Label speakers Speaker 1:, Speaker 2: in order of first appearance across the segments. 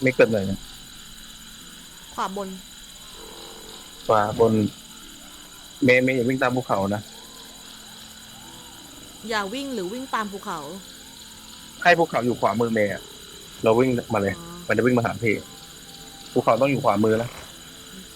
Speaker 1: ไม่เกิดเลยนะ
Speaker 2: ขวาบน
Speaker 1: ขวาบนเมย์อย่าวิ่งตามภูเขานะ
Speaker 2: อย่าวิ่งหรือวิ่งตามภูเขา
Speaker 1: ให้ภูเขาอยู่ขวามือเมย์อะเราวิ่งมาเลย
Speaker 2: อ๋อ
Speaker 1: มันจะวิ่งมาหาพี่ภูเขาต้องอยู่ขวามือแล้ว
Speaker 2: โอเค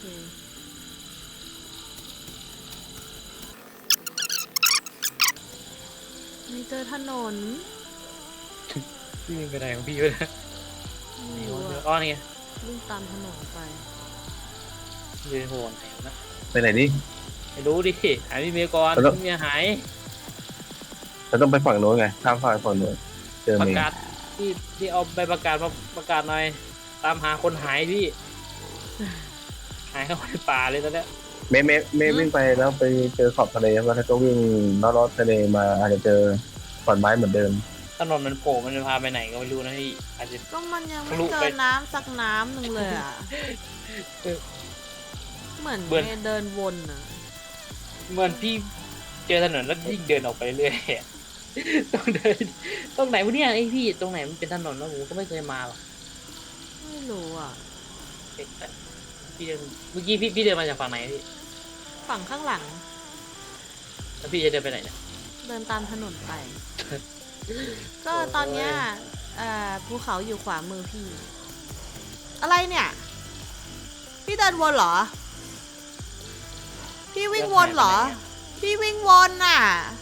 Speaker 2: ไม่เจอถนน
Speaker 3: พี่วิ่งไปไหนของพี่วะเนี่ย
Speaker 2: ไม่
Speaker 3: นี่
Speaker 2: รู้อะ
Speaker 3: อ้อนี่
Speaker 2: วิ่งตามถนนไป
Speaker 3: ยืนโหนไหนนะ
Speaker 1: ไปไหนนี่
Speaker 3: ไม่รู้ดิหายพี่เมียก่อนพี่เมียหาย
Speaker 1: เราต้องไปฝั่งโน้นไงข้ามฝั่งโน้นเจอ
Speaker 3: ประ
Speaker 1: เมย์
Speaker 3: กาศที่เอาใบประกาศมาประกาศหน่อยตามหาคนหายพี่หายเข้าไปป่าเลยตอนเนี้ย
Speaker 1: เมย์วิ่งไปแล้วไปเจอขอบทะเลแล้วก็วิ่งลอดทะเลมาอาจจะเจอขอนไม้เหมือนเดิม
Speaker 3: ถนนมันโผล่มันจะพาไปไหนก็ไม่รู้นะพี่อาจจะ
Speaker 2: ก็มันยังไม่
Speaker 3: ทะลุ
Speaker 2: เจ
Speaker 3: ไป
Speaker 2: อน้ำสักน้ำหนึ่งเลยอ่ะเหมือนเมย์เดินวนอ่ะ
Speaker 3: เหมือนพี่เจอถนนแล้วยิ่งเดินออกไปเรื่อยต้องเดินตรงไหนวะเนี่ยไอพี่ตรงไหนมันเป็นถนนแล้วผมก็ไม่เคยมาหรอก
Speaker 2: ไม่รู้อ่ะ
Speaker 3: พี่เดินเมื่อกี้พี่เดินมาจากฝั่งไหนพี่
Speaker 2: ฝั่งข้างหลัง
Speaker 3: แล้วพี่จะเดินไปไหนเนี่ย
Speaker 2: เดินตามถนนไป ก็ตอนเนี้ยภูเขาอยู่ขวามือพี่ อะไรเนี่ย พี่เดินวนเหรอ พี่วิ่งวนเหรอ พี่วิ่งวนน่ะ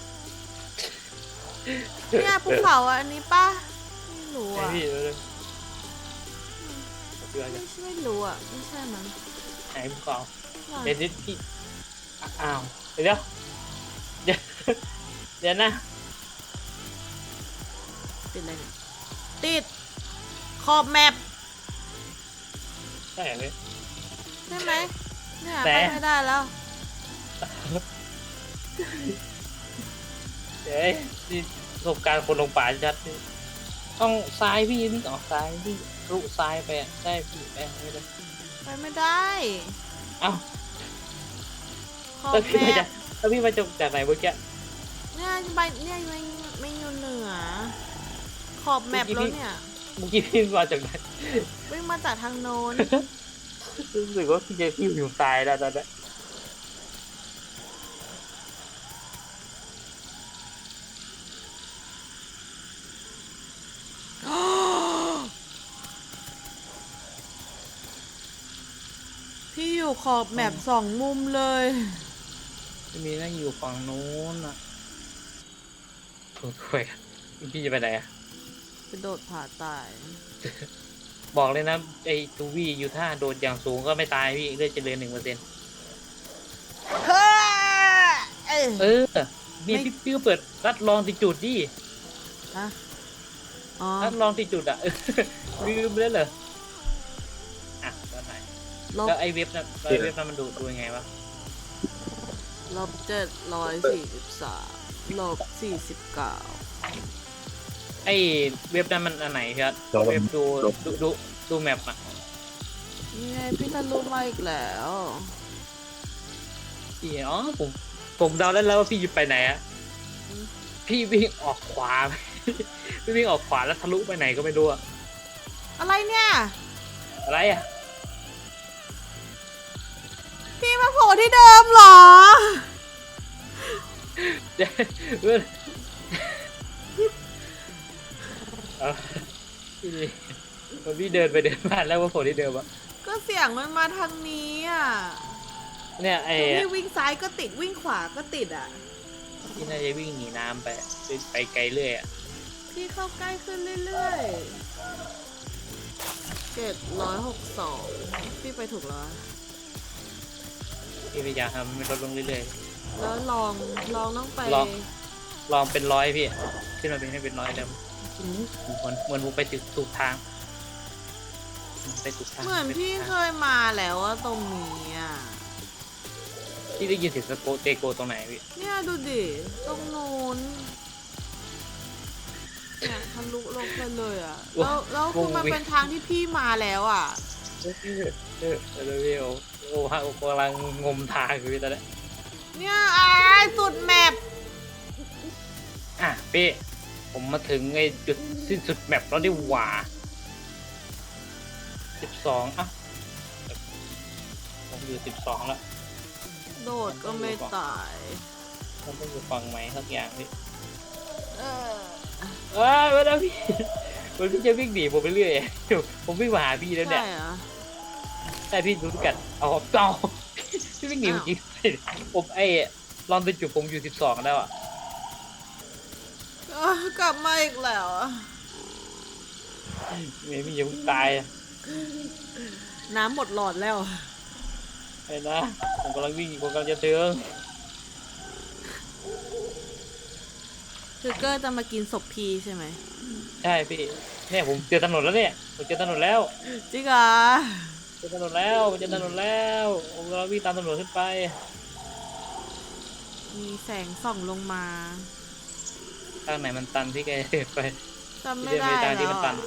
Speaker 2: เนี่ยภูเขาอันนี้ป่ะไม่รู้อ่ะ
Speaker 3: พี่เลย
Speaker 2: ไม่รู้อ่ะไม่ใช่มั้ง
Speaker 3: ไหนภูเขาเดี๋ยวพี่อ้าวเดี๋ยวเดี๋ยวเดี๋ยวนะ
Speaker 2: ติดอะไรเนี่ยติดขอบแมป
Speaker 3: ใช่ไหม
Speaker 2: ใช่ไหมเนี่ยไปไม่ได้แล้ว
Speaker 3: เดี๋ยวนี่ประสบการณ์คนลงป่าชัดนี่ต้องซ้ายพี่นี่ออกซ้ายพี่รุซ้ายไปได้พี่ไปไม่ได้
Speaker 2: ไปไม่ได้
Speaker 3: เอ้า
Speaker 2: ขอบ
Speaker 3: แล้วพี่
Speaker 2: แม
Speaker 3: มาจาก
Speaker 2: ป
Speaker 3: แล้วพี่มาจากไหนเมื่อกี้
Speaker 2: เนี่ยไปเนี่ยไม่อยู่เหนือขอบแมปแล้วเนี่ย
Speaker 3: เมื่อกี้พี่มาจากไหน
Speaker 2: วิ่งมาจากทางโน้น
Speaker 3: รู้สึกว่าพี่จะพี่อยู่ตายแล้วตอนนี้
Speaker 2: พี่อยู่ขอบแมปสองมุมเลย
Speaker 3: จะมีนั่งอยู่ฝั่งโน้นอ่ะโอ้ยพี่จะไปไหนอ่ะ
Speaker 2: กระโดดผาตาย
Speaker 3: บอกเลยนะไอ้ตูวี่อยู่ท่าโดดอย่างสูงก็ไม่ตายพี่เลือดเจริญ1%เออพี่ก็เปิดรัดลองติดจุดดิรัดลองติดจุดอ่ะลืมเลยเหรออ่ะตอนไหนแล้วไอ้เว็บนั้นมันดูยังไงวะ
Speaker 2: -743-49
Speaker 3: ไอ้เว็บนั้นมันอันไหนครับเว็บดูแมปอ่ะ
Speaker 2: นี่ไงพี่ทะลุมาอีกแล้ว
Speaker 3: พี่อ๋อผมเดาแล้วว่าพี่ไปไหนอ่ะพี่วิ่งออกขวาพี่วิ่งออกขวาแล้วทะลุไปไหนก็ไม่รู้อะ
Speaker 2: อะไรเนี่ย
Speaker 3: อะไรอ่ะ
Speaker 2: พี่มาโผล่ที่เดิมเหรอ
Speaker 3: พี่เดินไปเดินมาแล้วว่าโผล่ที่เดิมอะ
Speaker 2: ก็เสียงมันมาทางนี้อ่ะ
Speaker 3: เนี่ยไอ้
Speaker 2: พี่วิ่งซ้ายก็ติดวิ่งขวาก็ติดอ่ะ
Speaker 3: พี่น่าจะวิ่งหนีน้ำไปไกลเรื่อยอ่ะ
Speaker 2: พี่เข้าใกล้ขึ้นเรื่อยๆ762พี่ไปถูกแล้ว
Speaker 3: พี่พยายามทำให้ลดลงเรื่อย
Speaker 2: ๆแล้วลองต้องไป
Speaker 3: ลองเป็น100พี่ขึ้นมาเป็นให้เป็น100เดิมเหมือนผมไปถูกทางไปถูกทาง
Speaker 2: เหมือนพี่เคยมาแล้วว่าตรงนี้อ่ะ
Speaker 3: พี่ได้ยินเสียงเตโกตรงไหนพี่
Speaker 2: เนี่ยดูดิตรงนู้นเนี่ยทะลุลงไปเลยอ่ะแล้วคือมันเป็นทางที่พี่มาแล้วอ่ะ
Speaker 3: แล้วพี่โอ้ฮะกำลังงมทางอยู่ตอนนี้
Speaker 2: เนี่ยสุดแมป
Speaker 3: พี่ผมมาถึงไอ้จุดสิ้นสุดแมปแล้วได้หว่า 12อ่ะผมอยู่12แล้ว
Speaker 2: โดดก็ไม่ตาย
Speaker 3: มันต้องอยู่ฝั่งไหนสักอย่างพี่
Speaker 2: เออ
Speaker 3: ไม่ได้พี่มันพี่จะวิ่งหนีผมไปเรื่อยผมวิ่งมาหาพี่แล้ว
Speaker 2: ใช่
Speaker 3: เนี่ย
Speaker 2: เหรอ
Speaker 3: แต่พี่ดูกันเอาเจ้าพี่วิ่งหนีผมจริงผมลองไปจุดผมอยู่12แล้วอ่ะ
Speaker 2: กลับมาอีกแล้วอะ
Speaker 3: เมย์พี่ยังตาย
Speaker 2: น้ำหมดหลอดแล้ว
Speaker 3: ไอ้นะผมกำลังวิ่งผมกำลังจะถึง
Speaker 2: คือเกอร์จะมากินศพพีใช่ไหม
Speaker 3: ใช่พี่เนี่ยผมเจอถนนแล้วเนี่ยผมเจอถนนแล้ว
Speaker 2: จริงเหรอ
Speaker 3: เจอถนนแล้วผมเจอถนนแล้วผมกำลังวิ่งตามถนนขึ้นไป
Speaker 2: มีแสงส่องลงมา
Speaker 3: ทางไหนมันตันพี่แกเดินไป
Speaker 2: จำไม่ได้
Speaker 3: ทางที่
Speaker 2: แล้
Speaker 3: มั
Speaker 2: วน
Speaker 3: ตัน
Speaker 2: อะ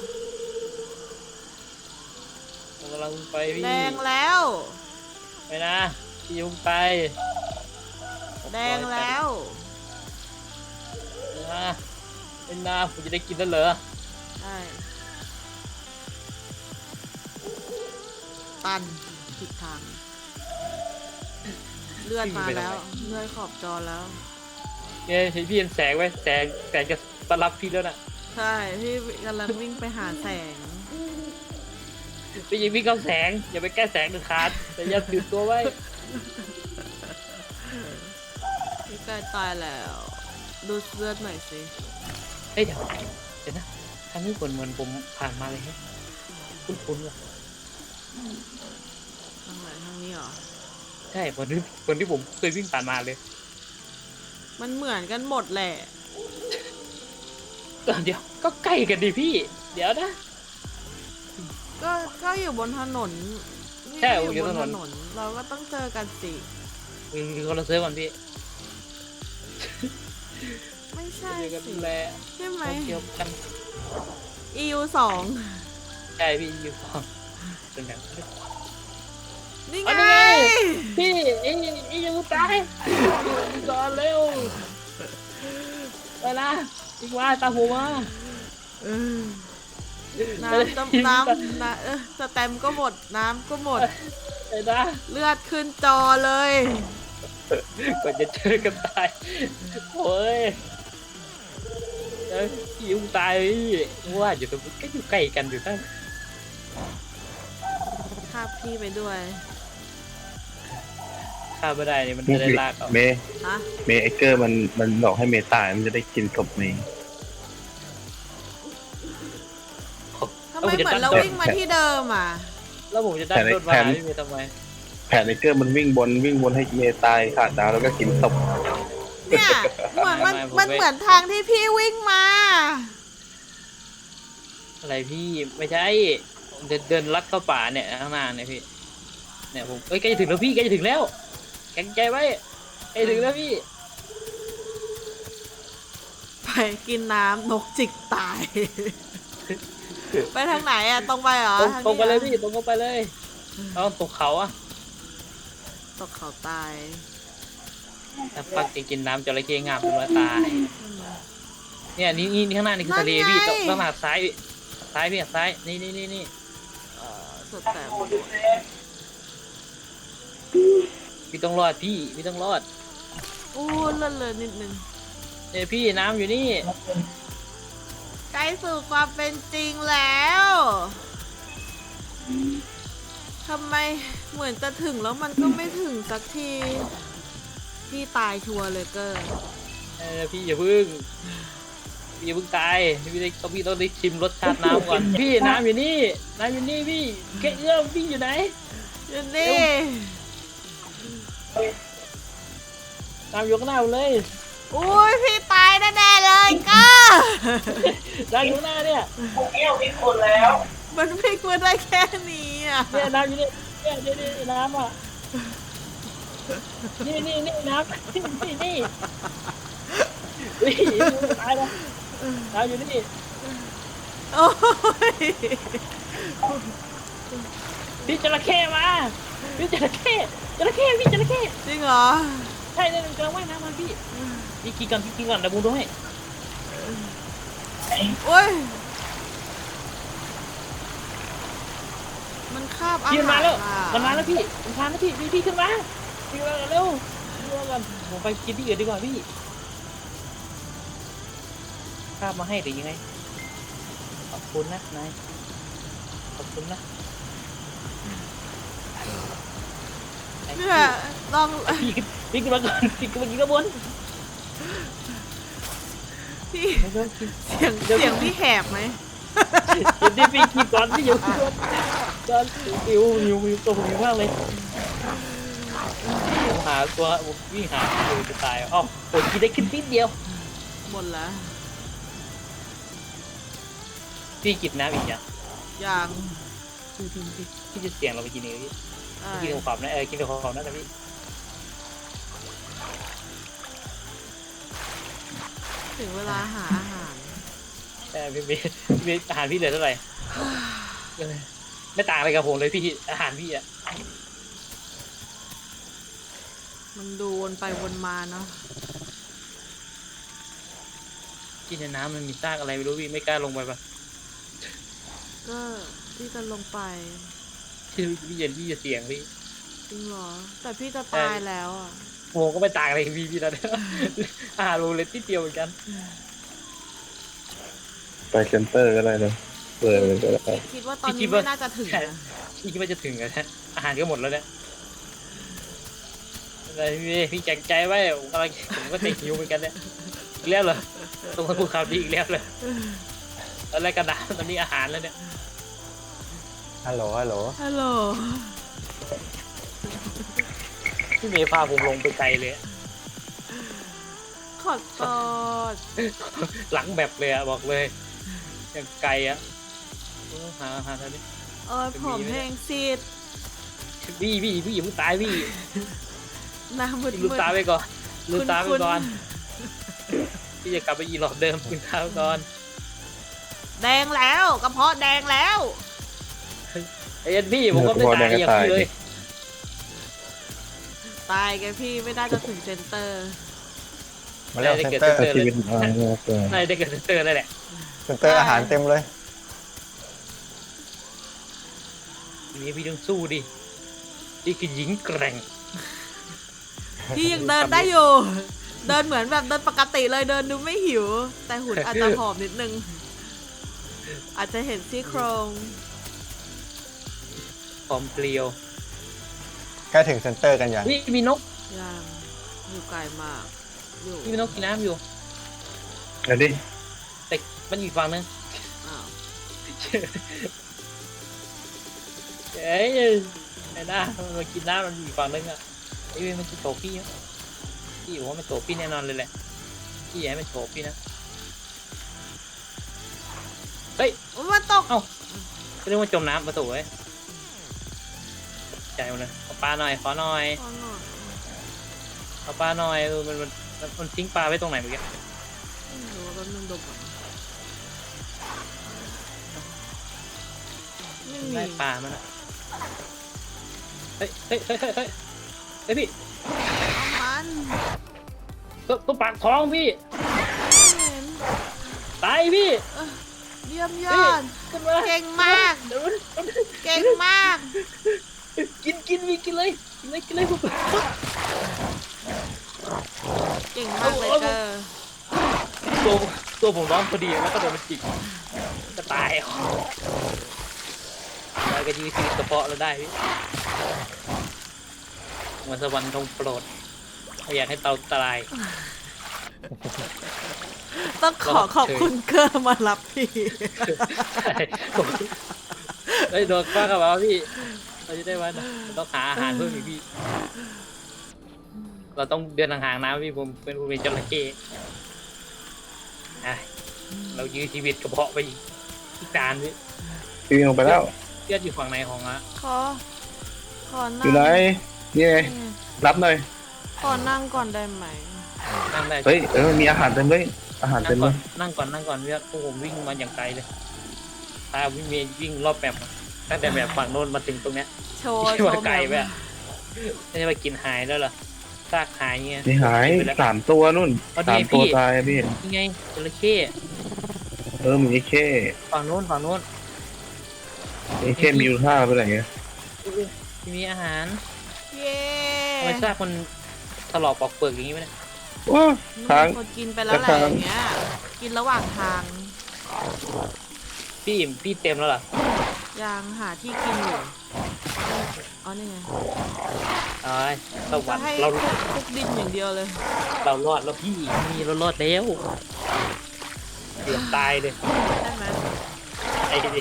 Speaker 3: ผมกำลังไปพี่
Speaker 2: แดงแล้ว
Speaker 3: ไปนะพี่ยุ่งไป
Speaker 2: แดงแล้ว
Speaker 3: นะเป็นนาผมจะได้กินแล้วเหรอ
Speaker 2: ใช่ตันผิดทาง เลือดมาแล้ว เลือดขอบจอแล้ว
Speaker 3: เนี่ยเห็นพี่เห็นแสงไหมแสงจะมารับพี่แล้วน่ะ
Speaker 2: ใช่ พี่กำลังวิ่งไปหาแสง
Speaker 3: พี่ยิงวิ่งเข้าแสงอย่าไปใกล้แสงเด็ดขาดแต่อย่าตื่นตัวไว้
Speaker 2: พี่ใกล้ตายแล้ว ดูเลือดหน่อยสิ
Speaker 3: เฮ้ยเดี๋ยวนะทางนี้เหมือนผมผ่านมาเลยฮะคุ้นๆว่ะ
Speaker 2: ทางไหนทางนี้เหรอ
Speaker 3: ใช่เหมือนที่ผมเคยวิ่งผ่านมาเลย
Speaker 2: มันเหมือนกันหมดแหละ
Speaker 3: เดี๋ยวก็ใกล้กันดิพี่ เดี๋ยวนะ
Speaker 2: ก็อยู่บนถนนนี่
Speaker 3: ใช่
Speaker 2: ก็อยู่บน
Speaker 3: อยู่
Speaker 2: ถ
Speaker 3: ถนน
Speaker 2: นน เราก็ต้องเจอกันสิ
Speaker 3: คือคนละเซิร์ฟก่อนพี่
Speaker 2: ไม่ใช่
Speaker 3: เจอกัน
Speaker 2: สิ
Speaker 3: แหละ
Speaker 2: ใช่ไหม
Speaker 3: เดียวกัน
Speaker 2: EU 2
Speaker 3: ใช่พี่อยู่ต่อเป็นแบบ
Speaker 2: นี่
Speaker 3: อ๋อ
Speaker 2: ไง
Speaker 3: นี่ไง พี่ยังตายอยู่ก่อนเร็วไปนะอีกว่าตามผมมา
Speaker 2: เออน้ำสแตมป์ก็หมด น้ำก็หมด
Speaker 3: ไปนะ
Speaker 2: เลือดขึ้นจอเลย
Speaker 3: กว่าจะเจอกันตายโอ้ยพี่ยุ่งตายพี่ว่าอยู่ตรงก็อยู่ใกล้กันอยู่ตั้ง
Speaker 2: คาบพี่ไปด้วย
Speaker 3: ข้ามไม่ได้นี่มันจะได้ลากเอา
Speaker 1: เมย์
Speaker 2: ฮะ
Speaker 1: เมย์ไอเกอร์มันบอกให้เมย์ตายมันจะได้กินศพเมย์
Speaker 2: ทำไมเหมือนเราวิ่งมาที่เดิมอ่ะ
Speaker 3: แล้วผมจะได้รถมาพี่เมย์ทำไม
Speaker 1: แผนไอเกอร์มันวิ่งบนให้เมย์ตายขาดดาวแล้วก็กินศพ
Speaker 2: เนี่ยเหมือนมันเหมือนทางที่พี่วิ่งมา
Speaker 3: อะไรพี่ไม่ใช่ผมจะเดินลัดเข้าป่าเนี่ยข้างหน้าเนี่ยพี่เนี่ยผมใกล้จะถึงแล้วพี่ใกล้จะถึงแล้วแข็งใจไว้ใกล้ถึงแล้วพี่
Speaker 2: ไปกินน้ำนกจิกตาย ไปทางไหนอ่ะ ตรงไปเหรอ
Speaker 3: ตรงไปเลย
Speaker 2: ทางนี้
Speaker 3: พี่ตรงเข้าไปเลยเราตกเขาอะ
Speaker 2: ตกเขาตาย
Speaker 3: ถ้าปักจะกินน้ำจระเข้งาบเป็นว่าตายเนี่ยนี่ข้างหน้านี่คือทะเลพี่ต้องหักซ้ายพี่หักซ้ายนี่
Speaker 2: สุดแต่
Speaker 3: พี่ต้องรอดพี่ต้องรอด
Speaker 2: อู้เลื่อนเลยนิดนึง
Speaker 3: เนี่ยพี่น้ำอยู่นี่
Speaker 2: ใกล้สู่ความเป็นจริงแล้วทำไมเหมือนจะถึงแล้วมันก็ไม่ถึงสักที พี่ตายชัวร์เลยเกอร์
Speaker 3: พี่อย่าเพิ่งตายพี่ต้องได้ชิมรสชาติน้ำก่อนพี่น้ำอยู่นี่พี่แค่เอื้อมพี่อยู่ไหน
Speaker 2: อยู่นี่
Speaker 3: น้ำอยู่ข้างหน้าผมเลย
Speaker 2: อุ้ยพี่ตายแน่ๆเลยเกอร์
Speaker 3: น้ำอยู่ข้างหน้าเนี่ย
Speaker 2: มันพลิกมาได้แค่นี้อ่ะ
Speaker 3: เนี่ยน้ำอยู่นี่เนี่ยน้ำอ่ะนี่น้ำนี่ตายแล้วน้ำอยู่นี่
Speaker 2: โอ้ย
Speaker 3: พี่จระเข้มาพี่จระเข้พี่จระเข้
Speaker 2: จริงเหรอ
Speaker 3: ใช่เนี่ยกำลังว่ายน้ำมาพี่กินก่อนเดี๋ยวบูด้วย
Speaker 2: โอ้ยมันคาบอา
Speaker 3: พี่มัน
Speaker 2: หา
Speaker 3: มาร แล้ว
Speaker 2: อ่ะ
Speaker 3: มันมาแล้วพี่มันมาแล้วพี่ขึ้นมาพี่มาเร็วเร็วกันผมไปกินที่อื่นดีกว่าพี่ข้าบมาให้แต่ยังไงขอบคุณนะนายขอบคุณนะ
Speaker 2: เนี่ยลอง
Speaker 3: พี่ขึ้นมาก่อนพี่ขึ้นมากินข้าวบน
Speaker 2: พี่
Speaker 3: ไม่ต้องกิน
Speaker 2: เสียงพี่แหบไหม
Speaker 3: เดี๋ยวพี่กินก่อนพี่อยู่ก่อนหิวตัวผมหิวมากเลยผมหาตัววิ่งหาอยู่จะตายอ๋อปวดกินได้ขึ้นนิดเดียว
Speaker 2: หมดแล้ว
Speaker 3: พี่กินน้ำอีกอย่าง
Speaker 2: อย่าง
Speaker 3: พี่จะเสี่ยงเราไปกินเองพี่กินกับความนะกินกับความนะแต่พี่
Speaker 2: ถึงเวลาหาอาหาร
Speaker 3: แต่พี่อาหารพี่เหลือเท่าไหร่ไม่ต่างอะไรกับผมเลยพี่อาหารพี่อ่ะ
Speaker 2: มันดูวนไปวนมาเนาะ
Speaker 3: กินในน้ำมันมีซากอะไรไม่รู้พี่ไม่กล้าลงไปปะ
Speaker 2: ก็พี่จะลงไป
Speaker 3: พี่จะเสี่ยงพี่
Speaker 2: จริงเหรอ แต่พี่จะตายแล้วอ่ะ
Speaker 3: โอ้ก็ไม่ต่างอะไรกับพี่แล้วเนี่ยอาหารโรเล็ตที่เดียวเหมือนกัน
Speaker 1: ไปเซ็นเตอร์ก็ได้เลยเปิดเลยก็ได้
Speaker 2: คิดว่าตอนนี้ไม่น่าจะถึงนะ
Speaker 3: พี่คิดว่าจะถึงแล้วนะอาหารก็หมดแล้วเนี่ยอะไรพี่แจกใจไว้ผมก็ติดหิวเหมือนกันเนี่ยอีกแล้วเหรอตรงภูเขาดีอีกแล้วเลยอะไรกระดาษตอนนี้อาหารแล้วเนี่ย
Speaker 1: ฮัลโหล
Speaker 2: ฮัลโหล
Speaker 3: พี่เมย์พาผมลงไปไกลเลย
Speaker 2: ขอโทษ
Speaker 3: หลังแบบเลยอะบอกเลยอย่างไกลอะหาทางนี้
Speaker 2: เอ้ยผมเพลงซีด
Speaker 3: พี่อย่าเพิ่งตายพี่
Speaker 2: หน้ามืด
Speaker 3: ลืมตาไปก่อนลืมตาไป
Speaker 2: คุณ
Speaker 3: ก่อนพี่จะกลับไปอีหลอดเดิมลืมตาไปก่อน
Speaker 2: แดงแล้วกระเพาะแดงแล้ว
Speaker 3: ไอ้ยันพี่ผมก็ไม่ตายอย่างพี่เลย
Speaker 2: ตายแกพี่ไม่น่าจะถึงเซนเตอร์
Speaker 4: มาเร็วเซ็นเตอร์
Speaker 1: ชีวิตอ่า
Speaker 3: ได้ได้เกิดเตอร์เลยแหละ
Speaker 4: เซ็นเตอร์อาหารเต็มเลย
Speaker 3: ทีนี้พี่ต้องสู้ดินี่คือหญิงแกร่ง
Speaker 2: พี่ยังเดินได้อยู่ เดินเหมือนแบบเดินปกติเลยเดินดูไม่หิว แต่หุ่นอาจจะผอมนิดนึง อาจจะเห็นซี่โครง
Speaker 3: พร้อมเปลียว
Speaker 4: ใกล้ถึงเซ็นเตอร์กันยัง
Speaker 3: พี่มีนก
Speaker 2: ยังอยู่ไกลมาก อยู่
Speaker 3: พี่มีนกกินน้ำอยู่
Speaker 1: เดี๋ยวดิ
Speaker 3: แต่มันอยู่ฝั่งนึง
Speaker 2: อ้าว
Speaker 3: เอ้ยไอ้หน้ามันมากินน้ำมันอยู่ฝั่งนึงอ่ะไอ้เว้ยมันจะโตพี่อะพี่บอกว่ามันโตพี่แน่นอนเลยแหละพี่อยากให้มันโตพี่นะเฮ้ย
Speaker 2: มันตก
Speaker 3: ก็เรียกว่าจมน้ำมาโตเว้ยใจมันเลยเอาปลาหน่อยขอหน่อย
Speaker 2: ขอหน่อย
Speaker 3: เอาปลาหน่อยมันทิ้งปลาไว้ตรงไหนเมื่อกี้
Speaker 2: ไม่รู้ว่าแป๊บนึงดมก่อนไม่มี
Speaker 3: ได้ปลามันอะเฮ้ยพี่
Speaker 2: เอามัน
Speaker 3: ตัวปากท้องพี่
Speaker 2: ไม่เห็น
Speaker 3: ตายพี่
Speaker 2: เยี่ยมยอด
Speaker 3: ขึ้นมา
Speaker 2: เก่งมาก
Speaker 3: เดี๋ยวมัน
Speaker 2: เก่งมาก
Speaker 3: กินพี่กินเลยผม
Speaker 2: เก่งมากเลยเกอร์
Speaker 3: ตัวผมร้องพอดีแล้วก็โดนมันจิกก็ตายแล้วก็ยื้อชีวิตกระเพาะเราได้พี่เหมือนสวรรค์ทรงโปรดไม่อยากให้เตาตาย
Speaker 2: ต้องขอบคุณเกอร์มารับพี่
Speaker 3: ใช่ไอ้ยโดนฟ้ากับเราพี่เราจะได้วันเราต้องหาอาหารเพิ่มอีกพี่เราต้องเดินห่างๆน้ำพี่ผมเป็นจระเข้เรายื้อชีวิตกระเพาะไปอีกจานพี่
Speaker 1: พี่วิ่งลงไปแล้ว
Speaker 3: เลือดอยู่ฝั่งไหนของอะ
Speaker 2: ขอนั่ง
Speaker 1: อยู่ไหนนี่ไงรับหน่อย
Speaker 2: ขอนั่งก่อนได้ไหม
Speaker 3: นั่งได้
Speaker 1: เฮ้ยมีอาหารเต็มเลยอาหาร
Speaker 3: นั่
Speaker 1: เต็
Speaker 3: ง
Speaker 1: ม
Speaker 3: ก่
Speaker 1: เล
Speaker 3: อน
Speaker 1: ย
Speaker 3: นั่งก่อนเพื่อนพวกผมวิ่งมาอย่างไกลเลยตาวิ่งรอบแบบตั้งแต่แบบฝั่งโน้นมาถึงตรงเนี้ย
Speaker 2: โชว์
Speaker 3: ที่ว่าไกล
Speaker 2: แบ
Speaker 3: ไป
Speaker 2: บ
Speaker 3: อะไม่ใช่ว่ากินหายแล้วเหรอซากหายเงี้ย
Speaker 1: นี่หาย3 ตัวนู่น
Speaker 3: เอาดิ
Speaker 1: 3 ตัว
Speaker 3: พี่
Speaker 1: ตายพี่
Speaker 3: นี่ไงจระเข้
Speaker 1: มีแค่
Speaker 3: ฝั่งโน้น
Speaker 1: ไอ้เข้มมีอยู่ท่าไปไหนเงี้ย
Speaker 3: มีอาหาร
Speaker 2: เย้
Speaker 3: ทำไมซากมันถลอกปอกเปลือกอย่างนี้ไหมเนี่ย
Speaker 1: ว้าทาง
Speaker 2: มีคนกินไปแล้วแหละอย่างเงี้ย กินระหว่างทาง
Speaker 3: พี่อิ่มพี่เต็มแล้วเหรอ
Speaker 2: ยังหาที่กินอยู่อ๋อนี่ไง
Speaker 3: อ๋อสวร
Speaker 2: จะ
Speaker 3: รค์
Speaker 2: ให้
Speaker 3: เรา
Speaker 2: คลุกดินอย่างเดียวเลย
Speaker 3: เรารอดแล้วพี่มีเรารอดแล้วเกือบตายเลย
Speaker 2: ได้ไหม
Speaker 3: ไอ้ดิ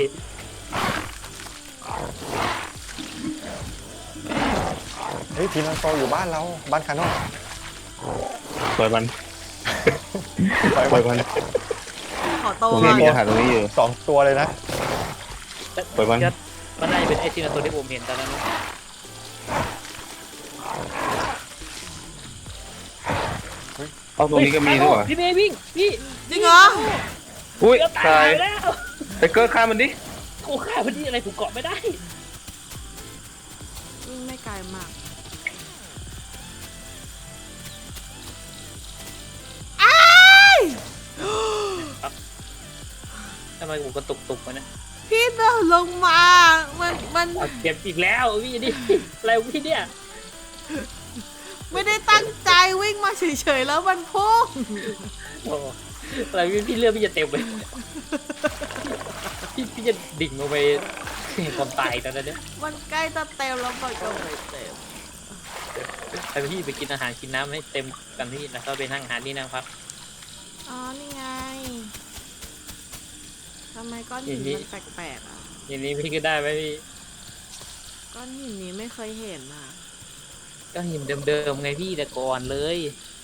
Speaker 4: เฮ้ยทีมมันโตอยู่บ้านเราบ้านคาโน่
Speaker 1: ปล่อยมัน
Speaker 4: ปล่อย
Speaker 1: ปล่อยมัน
Speaker 2: ขอโต
Speaker 1: ตรง
Speaker 2: ก่
Speaker 1: นี้
Speaker 2: อน
Speaker 1: มีอาหารตรงนี้อยู่
Speaker 4: 2 ตัวเลยนะ
Speaker 1: ปล่อยมัน
Speaker 3: มันน่าจะเป็นไอซีนาตัวที่ผมเห็นตอนนั้นนะ
Speaker 1: เอาตรงนี้ก็มีด้วยว่ะ
Speaker 3: พี่เมย์วิ่งพี่
Speaker 2: จริงเหรอ
Speaker 1: อุ้ย
Speaker 3: เกือบตา
Speaker 1: ตาย
Speaker 3: ยแล้ว
Speaker 1: ไอ้เกิร์ฆ่ามันดิ
Speaker 3: กูฆ่าพอดีอะไรกูเกาะไม่ได้
Speaker 2: วิ่งไม่ไกลมากอ้าย
Speaker 3: ทำไมกูกระตุกๆมาเนี่ย
Speaker 2: พี่เดินลงมา มัน
Speaker 3: เอาเจ็บอีกแล้วพี่ดิอะไรของพี่เนี่ย
Speaker 2: ไม่ได้ตั้งใจวิ่งมาเฉยๆแล้วมันพุ่ง
Speaker 3: โอ้อะไรพี่เลือดพี่จะเต็มเลยพี่จะดิ่งลงไปความตายตอนนั้นเนี่ย
Speaker 2: มันใกล้จะเต็มแล้วมันก็ไม่เต็ม
Speaker 3: ไปพี่ไปกินอาหารกินน้ำให้เต็มกันที่แล้วก็ไปนั่งหาที่นั่งพัก
Speaker 2: อ๋อ นี่ไง ทำไมก้อนหินมันแปลกๆอ่ะ
Speaker 3: อย่างนี้พี่ก็ได้ไหมพี่
Speaker 2: ก้อนหินนี้ไม่เคยเห็นอ่ะ
Speaker 3: ก็หินเดิมๆไงพี่แต่ก่อนเลย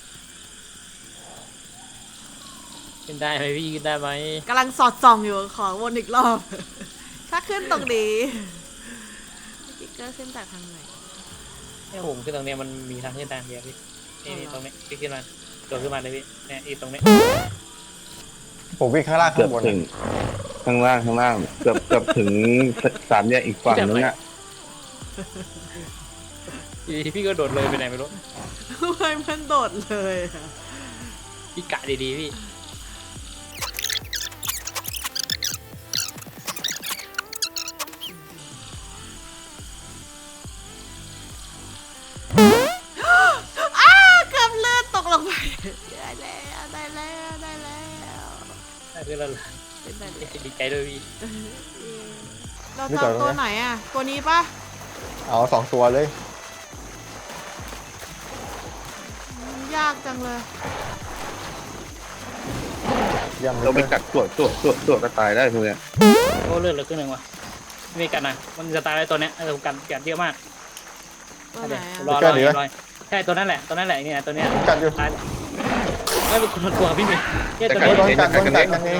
Speaker 3: ขึ้นได้ไหมพี่ขึ้นได้ไหม
Speaker 2: กำลังสอดส่องอยู่ขอวนอีกรอบ ถ้าขึ้นตรงนี้ติ๊กเกอร์ขึ้นจากทางไหน
Speaker 3: เนี่ยผมขึ้นตรงเนี้ยมันมีทางขึ้นทางเดียวพี่นี่ตรงนี้พี่ขึ้นมาโดดขึ้นมาเลยพี่เนี่ยอีตรงนี้
Speaker 4: ผมวิ่งข้างล่าง
Speaker 1: เกื
Speaker 4: ข้า
Speaker 1: อบ
Speaker 4: งบน
Speaker 1: ถึงข้างล่างเกือบถึง3 แยกอีกฝั่งนึงอ่ะ
Speaker 3: พี่ก็โดดเลยไปไหนไม่รู้
Speaker 2: ทำไมมันโดดเลยอะ
Speaker 3: พี่กะดีๆพี่
Speaker 2: อ้าเกือบเลือดตกลงไป ได้แล้วได้แล้วได้แล้ว
Speaker 3: ได้ขึ้นแล้วเหรอ
Speaker 2: เป็นแบบนี้
Speaker 3: ดีใจด้วยพี่
Speaker 2: เราจะเอาตัวไหนอ่ะ ตัวนี้ปะ
Speaker 4: เอา2 ตัวเลย
Speaker 2: มันยากจังเลย
Speaker 4: เยี่ยมเล
Speaker 1: เราไป
Speaker 4: ย
Speaker 1: กัดตัวก็ตายได้พวกเนี้ย
Speaker 3: โอ้เลือดเหลือครึ่งหนึ่งว่ะไม่กันนะมันจะตายไปตัวเนี้ยผมกันเยอะมาก
Speaker 2: ตัวไหน
Speaker 3: ร
Speaker 2: อ่ะ
Speaker 3: อใช่ตัวนั้นแหละเนี่ยตัวเนี้ย
Speaker 4: กัดอยู่
Speaker 3: ตายไม่เป็นคนละตัวพี่เมย์เนี่ยตัว
Speaker 4: โด
Speaker 3: นี้
Speaker 4: นกัดกันเอง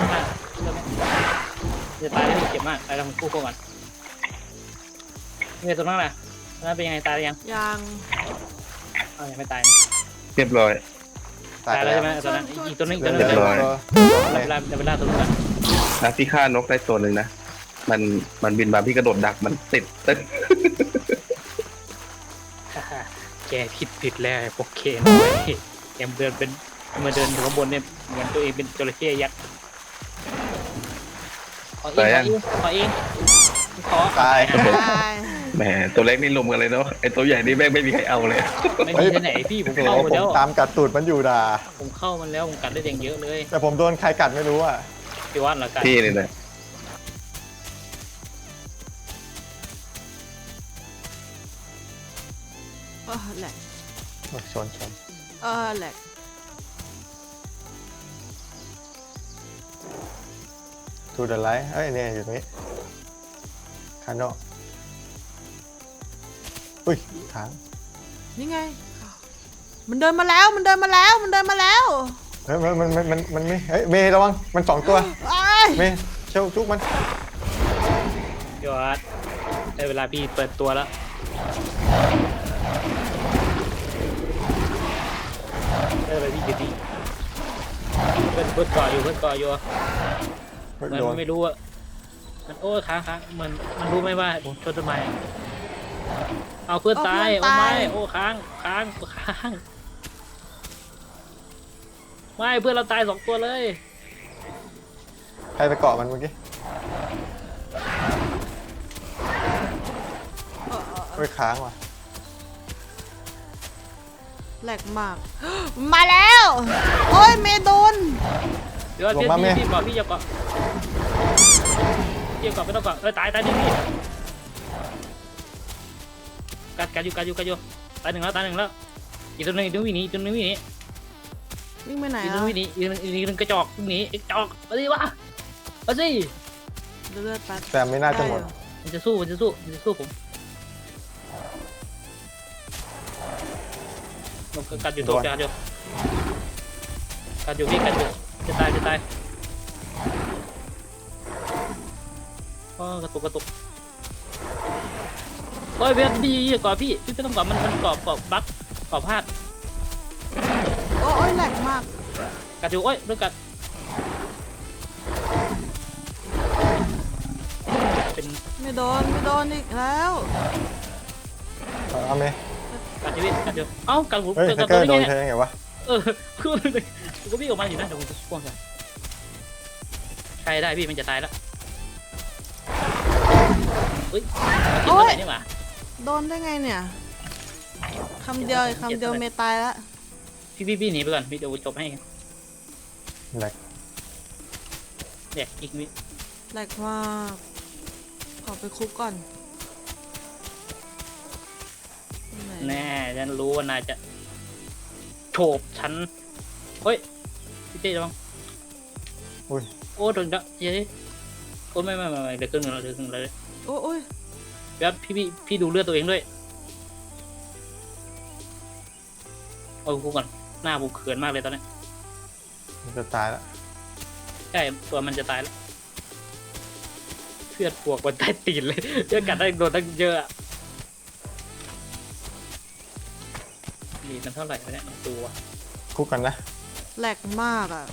Speaker 3: จะตายแล้วเจ็บมากตายแล้วคู่กันเนี่ยตัวนั้นแหละนั้นเป็นยังไงตายยัง
Speaker 2: ยัง
Speaker 3: ยังไม่ตาย
Speaker 1: เรียบร้อย
Speaker 4: ตาย
Speaker 3: ตายแล้
Speaker 4: แล้ว ว
Speaker 3: ใช่ไหมตัวนั้นอีกตัวนึง
Speaker 4: เรี
Speaker 3: ตัวนึง
Speaker 4: ยบร้อย
Speaker 3: จะไปล่าตัวนึงกัน
Speaker 1: นะพี่ฆ่านกได้ตัวหนึ่งนะมันบินมาพี่กระโดดดักมันติดตึ๊ด
Speaker 3: แกผิดแล้วโอเคน้อยแกเดินเป็นมาเดินอยู่ข้างบนเนี่ยเหมือนตัวเองเป็นจระเข้ยักษ์ขอเองขอ
Speaker 4: ตาย
Speaker 2: ตาย
Speaker 1: แหมตัวเล็กนี่ลุมกันเลยเนาะไอ้ตัวใหญ่นี่แม่งไม่มีใครเอาเลย
Speaker 3: ไม่มีที่ไหนพี่ผม
Speaker 4: โอ้
Speaker 3: เข้า
Speaker 4: โห
Speaker 3: มา
Speaker 4: ผ
Speaker 3: แล้
Speaker 4: ม
Speaker 3: ว
Speaker 4: ตามกัดตูดมันอยู่ด่า
Speaker 3: ผมเข้ามันแล้วผมกัดได้อย่างเยอะเลย
Speaker 4: แต่ผมโดนใครกัดไม่รู้อ่ะ
Speaker 3: พี่ว่านเหรอกัด
Speaker 1: พี่นี่แหละ
Speaker 2: แหลก
Speaker 4: ชน
Speaker 2: แหลก
Speaker 4: ทูเดอะไลท์เอ้ยเนี่ยอยู่ตรงนี้คาโน่อุ้ยค้าง
Speaker 2: นี่ไง มันเดินมาแล้วมันเดินมาแล้วมันเดินมาแล้ว
Speaker 4: เฮ้ยมันไม่เฮ้ยเมย์ระวังมัน2 ตัว
Speaker 2: ไอ้าย
Speaker 4: เมย์เชลจุกมัน
Speaker 3: พี่ว่านได้เวลาพี่เปิดตัวแล้วได้ไปพี่จะดีเพื่อนก่ออยู่เหมือน
Speaker 4: โดน
Speaker 3: มันไม่รู้อะมันโอ้ค้างมันรู้ไหมว่าชนต้นไม้เอาเพื่อนตายโอ้ไม่โอ้ค้างไม่เพื่อนเราตาย2 ตัวเลย
Speaker 4: ใครไปเกาะมันเมื่อกี้เฮ้ยค้างว่ะ
Speaker 2: แหลกมาก มาแล้ว โอ้ยเมโดน
Speaker 3: เดี๋ยวพี่ก่อนพี่อย่าก่อนพี่ก่อนไม่ต้องก่อนตายดิพี่กัดอยู่ตายหนึ่งแล้วอีกตัวหนึ่งวิ่งหนีอีกตัวหนึ่งวิ่งหนี
Speaker 2: วิ่งไปไหน
Speaker 3: อีกตัว
Speaker 2: แล้ว
Speaker 3: วิ่งหนีอีกตัวกระจอกวิ่งหนีกระจอกมาดิวะมาสิ
Speaker 2: เลือดแป๊บ
Speaker 4: แต่ไม่น่าจะหมด
Speaker 3: มันจะสู้ผมกัดอยู่ตัวกัดอยู่พี่กัดอยู่จะตายกระตุกโอ้ยเวทดีกว่าพี่ไม่ต้องกว่ามันกรอบบั๊กกรอบพลาด
Speaker 2: โอ้ยแหลกมาก
Speaker 3: กัดอยู่โอ้ยโดนกัดเป็น
Speaker 2: ไม่โดนอีกแล้ว
Speaker 4: เอาไหม
Speaker 3: กัดอยู่เอ้ากัดผม
Speaker 4: เฮ้ย
Speaker 3: กัด
Speaker 4: แฮกเก
Speaker 3: ตั
Speaker 4: อ
Speaker 3: ว
Speaker 4: ร์โด
Speaker 3: นี้
Speaker 4: น
Speaker 3: ไง
Speaker 4: ใช่ไงวะ
Speaker 3: คือผมก็วิ่งออกมาอยู่นะเดี๋ยวผมจะพ่วงกันใครได้พี่มันจะตายแล้วเฮ้ยนี่หว่า
Speaker 2: โดนได้ไงเนี่ยคำเดียวเมตายแล้ว
Speaker 3: พี่หนีไปก่อนพี่เดี๋ยวจบให้
Speaker 4: แหลก
Speaker 3: เด็กอีกนิด
Speaker 2: แหลกมากขอไปคุกก่อนไหน
Speaker 3: แน่ฉันรู้ว่านายจะโฉบฉันเฮ้ยพี่เต้ระวัง
Speaker 4: อุ้ย
Speaker 3: โอ้โดนละเย้โอ้ไม่เดี๋ยวครึ่งนึงเลย
Speaker 2: โอ้ย
Speaker 3: แล้วพี่ดูเลือดตัวเองด้วยโอ้กูก่อนหน้าผมเขินมากเลยตอนนี้
Speaker 4: มันจะตายแล้ว
Speaker 3: ใช่ตัวมันจะตายแล้วเลือดพวกมันใต้ตีนเลยเลือดกัดได้โดนตั้งเยอะนี่มันเท่าไหร่วะเนี่ยตัว
Speaker 4: คุกกันนะ
Speaker 2: แหลกมากอ่ะ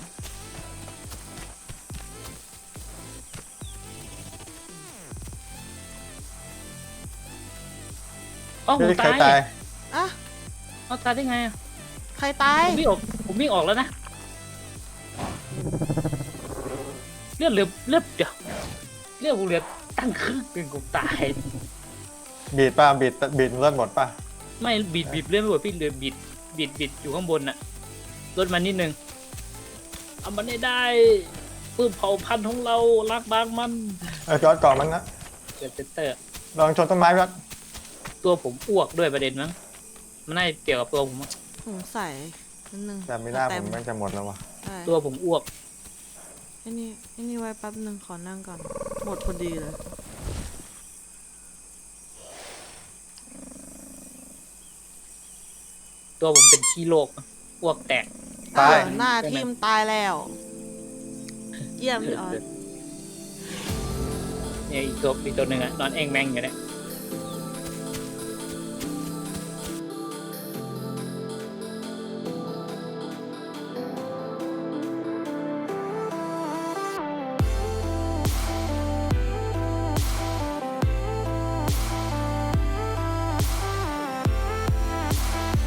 Speaker 3: อ๋อผ
Speaker 4: เฮ้
Speaker 3: ม
Speaker 4: ยใคร
Speaker 3: ตาย
Speaker 4: ตาย
Speaker 2: อ่ะ
Speaker 3: เอาตายได้ไงอะ
Speaker 2: ใครตาย
Speaker 3: ผมวิ่งออกแล้วนะเลือดเดี๋ยวผมเหลือตั้งครึ่งเป็นกูตาย
Speaker 4: บีดป่ะบีดเลือดหมดป่ะ
Speaker 3: ไม่บีบเลื่อนไม่หมดพี่เหลือบีดอยู่ข้างบนน่ะลดมานิดนึงเอามันได้ปื้มเผ่าพันธุ์ของเรารักบางมัน
Speaker 4: จอดก่อนมั้งนะ
Speaker 3: เกิดเตอร์
Speaker 4: ลองชนต้นไม้ก่อน
Speaker 3: ตัวผมอ้วกด้วยประเด็นมั้งมันน่าจะเกี่ยวกับตัวผมอะ
Speaker 2: สงสัยนิดนึง
Speaker 4: แต่ไม่น่าผมมันจะหมดแล้ววะ
Speaker 2: ใช่
Speaker 3: ตัวผมอ้วก
Speaker 2: ไอ้นี่ไว้แป๊บนึงขอนั่งก่อนหมดพอดีเลย
Speaker 3: ตัวผมเป็นขี้โรคอ้วกแตก
Speaker 4: ตาย
Speaker 2: หน้าทิมตายแล้วเยี่ยมพี่ออย
Speaker 3: เนี่ยอีกตัวหนึ่งอะนอนเองแมงอยู่เนี่ย